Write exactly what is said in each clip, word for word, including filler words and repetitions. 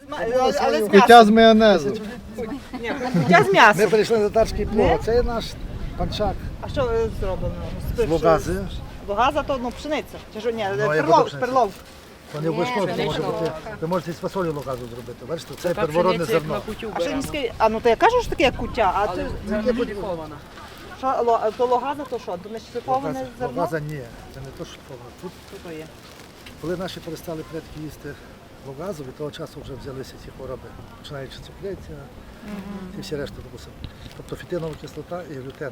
Але з Куття з м'ясом. майонезу. Ні, куття з Ми м'ясом. прийшли на татарський плов. Не? Це є наш панчак А що е, зроблено? з логази. Логаза то ну, пшениця. Чи що, ні, Ну, а як перлов, буде пшениця? перлов. Вони обов'язково це може бути. Ви можете із фасолю локазу зробити. Бачите, це первородне зерно. А що міський? А ну то я кажу, що таке як куття, а ти Це модифіковано. що ло- то логаза, то що? То не шліфоване зерно? Логаза ні, це не то, що шліфоване. Тут, Що то є? коли наші перестали предки їсти логазу, від того часу вже взялися ці хвороби, починаючи з цукреція і всі решта допустимо. Тобто фітинова кислота і глютен.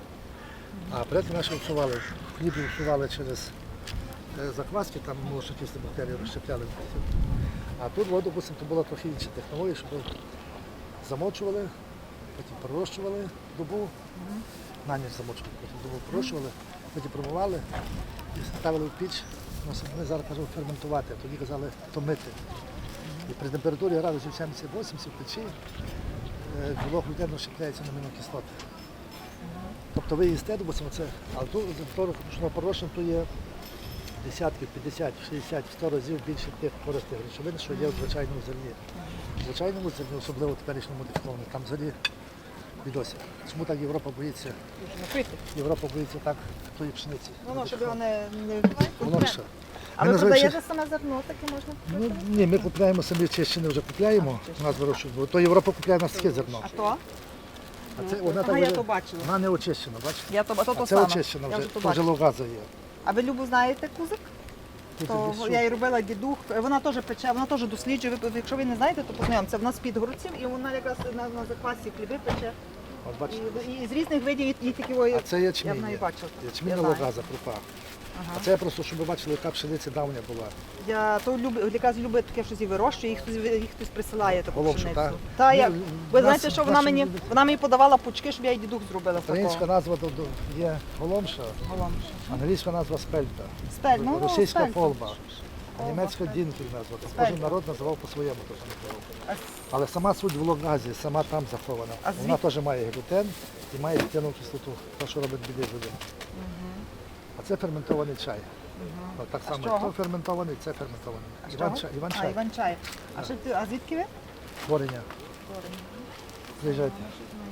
А предки наші вшивали, хліб вшивали через е, закваски, там молочнокислі бактерії розщепляли. А тут, от, допустимо, то була трохи інша технологія, щоб замочували, потім пророщували добу, на ніч замочували, потім добу пророщували, потім промивали і ставили в піч. Ну, Ми зараз кажемо ферментувати, а тоді казали томити. І при температурі градусів сімдесят-вісімдесят в печі е, білок глютену розщепляється на амінокислоти. Тобто ви їсте, допустимо, це, але тут ручного порощення то є десятки, п'ятдесят, шістдесят, сто разів більше тих корисних речовин, що є в звичайному зерні. В звичайному зерні, особливо в теперішньому модифікованому, там взагалі відося. Чому так Європа боїться? Напити. Європа боїться так тої пшениці. Ну, ну, щоб його не... не... Воно що? А Ми ви називаємо продаєте саме зерно, таке можна? Ну, ні, ми купляємо самі чищини, вже купляємо, у нас вирощують, бо то Європа купляє у нас таке зерно. А то? А це, вона, Ага, так я вже- то бачила. вона не очищена, бачите? Я то, а то, А то це саме. очищена Я вже, вже то то вже бачила. логаза є. А ви Любу знаєте кузик? Тут То десь я її робила дідух, вона теж пече, вона теж досліджує. Ви- Якщо ви не знаєте, то познайомся. Вона з-під городців і вона якраз на, на заквасі хліби пече. От бачите. І, і з різних видів і тільки ой, А це я ячмінь. в неї є. бачила. Ячмінь Я на знаю. логаза, крупа. Ага. А це просто, щоб ви бачили, яка пшениця давня була. Я то люблю, якраз любить таке щось і вирощує, їх хтось, їх хтось присилає таку Головшу, пшеницю. так? Та, Ну, я, в ви нас- знаєте, що вона наші мені, люди- вона мені подавала пучки, щоб я їй дідух зробила з Українська такого. назва до- до- є голомша, Голомша. англійська назва спельта, Спель, ну, ну, російська спель. фолба, а німецька дінкель назва. Тобто Кожен Спельта. народ називав по-своєму. теж називав. А с- Але сама суть в логазі, сама там захована. А Вона звід- теж має глютен і має фітинову кислоту, те, що робить біди людям. А це ферментований чай. От так А само, з чого? то ферментований, це ферментований. А з Іван чого? чай. Іван А, чай. Іван чай. А, що ти, а звідки ви? Творення. Приїжджайте.